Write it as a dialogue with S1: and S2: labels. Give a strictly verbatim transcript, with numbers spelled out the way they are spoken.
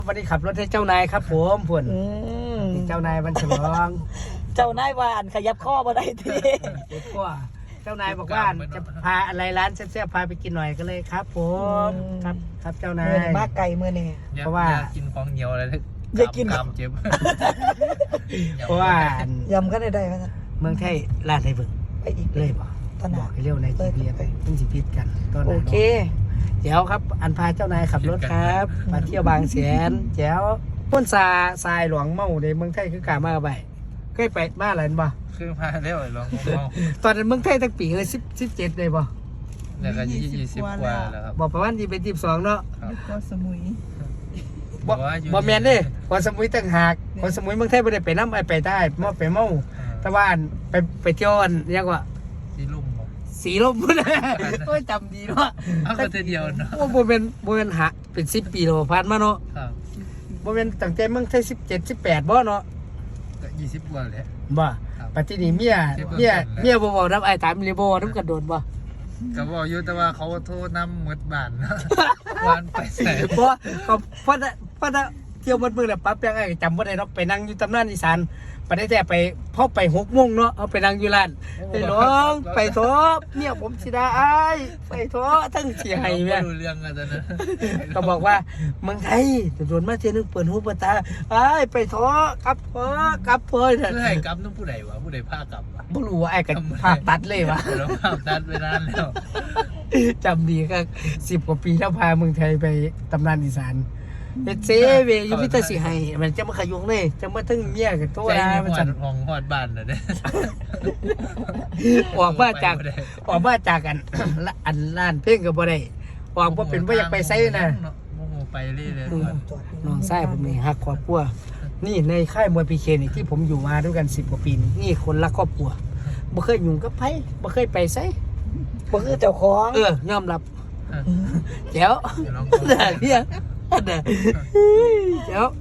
S1: วันนี้ขับรถให้เจ้านายครับผมผุ่นเจ้านายวันฉลอง
S2: เจ้านายว่าอันขยับข้อมาได้ที
S1: เด็กก็เจ้านายบอกว่าจะพาอะไรร้านแซ่บๆพาไปกินหน่อยก็เลยครับผมครับครับเจ้านาย
S2: มากไก่เมื่อนี่
S1: เพราะว่า
S3: กินของเหนียวอะไร
S2: จะกิน
S3: กำเจ็บ
S1: เพราะว่าย
S2: ำก็ได้ได้ไหม
S1: เมืองไทยร้านไหนเบิ่ง
S2: ไปอีก
S1: เลยบอกบอกให้เร็วในจีพีไปต้องจีพีกัน
S2: โอเค
S1: เดี๋ยวครับอันพาเจ้านายขับรถครับมาเที่ยวบางแสนแจ๋วพ้นซาทรายหลวงเมาในเมืองไทยคือกามาไปเคยไปมาอะไรบ่
S3: คือพาเร็วเลยหลวง
S1: ตอนนั้นเมืองไทยตั้งปีเลยสิบสิบเจ็ดเลยบ่
S3: แล้วก็ยี่สิบกว่าแล้วครับ
S1: บอกประมาณยี่เป็นยี่สิบสองเนาะ
S2: ก็สมุย
S1: บ่บ่แมนเด้คนสมุยตั้งหากคนสมุยเมืองไทยไม่ได้ไปน้ำไอไปใต้มาไปเมาแต่ว่าไปไปเที่ยวเรียกว่า
S3: สีลุ่ม
S1: สีลมพุ่นโอ้ยจำดีเนาะ
S3: เอาก็เดียวเนาะ
S1: ว่าโมเป็นโมเป็นหาเป็นสิบปีแล้วผ่านมาเนาะโมเป็นตั้งใจเมืองไทยสิบเจ็ดสิบแปดบ่เนาะ
S3: ก็ยี่สิบกว่าเลย
S1: บ่ปัจจุบันเมียเมียเมียบ่บอกน้ำไอ้ตามรีโบน้ำกระโดดบ่
S3: ก็บอกอยู่แต่ว่าเขาโทษน้ำหมดบ้านวานไปใส่
S1: เพราะเขาเพราะเพราะเที่ยวมันมือแหละปั๊บยังไงจำว่าได้เนาะไปนั่งอยู่ตำนานอีสานไปได้แต่ไปพ่อไปหกโมงเนาะเอาไปนั่งอยู่ร้านไปหลวงไปทบเนี่ยผมสิดาไอ้ไปทบทั้งเสียหายแม่
S3: รู้เรื่องกันนะ
S1: ก็บอกว่าเมืองไทยจะโดนมาเจนึงเปิดหูเปิดตาไอ้ไปทบกับเพ้อกลับเพ้อเถอะ
S3: เพื่อให้กลับต้องผู้ใดวะผู้ใดพากลับวะ
S1: บ่รู้ว่าไอ้กันภาพตัดเลยวะ
S3: เราภาพตัดไปนานแล้ว
S1: จำดีก็สิบกว่าปีแล้วพาเมืองไทยไปตำนานอีสานเฮ็ดเซเวยุพิตาสิให้มันจะมาขยุงเลยจะมาถึงเมียกับตัวนะ
S3: มันสั่นห้องฮอดบ้านน่ะเด้
S1: ออกมาจากออกมาจากกันอันร้านเพลงก็บ่ได้ออกบ่เป็นบ่อยากไปไสนะ
S3: โมโหไปเรื่อยๆ
S1: น้องชายผมนี่ฮักครอบครัวนี่ในค่ายมวยพีเคนี่ที่ผมอยู่มาด้วยกันสิบกว่าปีนี่คนรักครอบครัวบ่เคยยุ่งกับไผบ่เคยไปไส
S2: บ่คือเจ้าของ
S1: เออยอมรับแจ๋วเดี๋ยวเดี๋ยว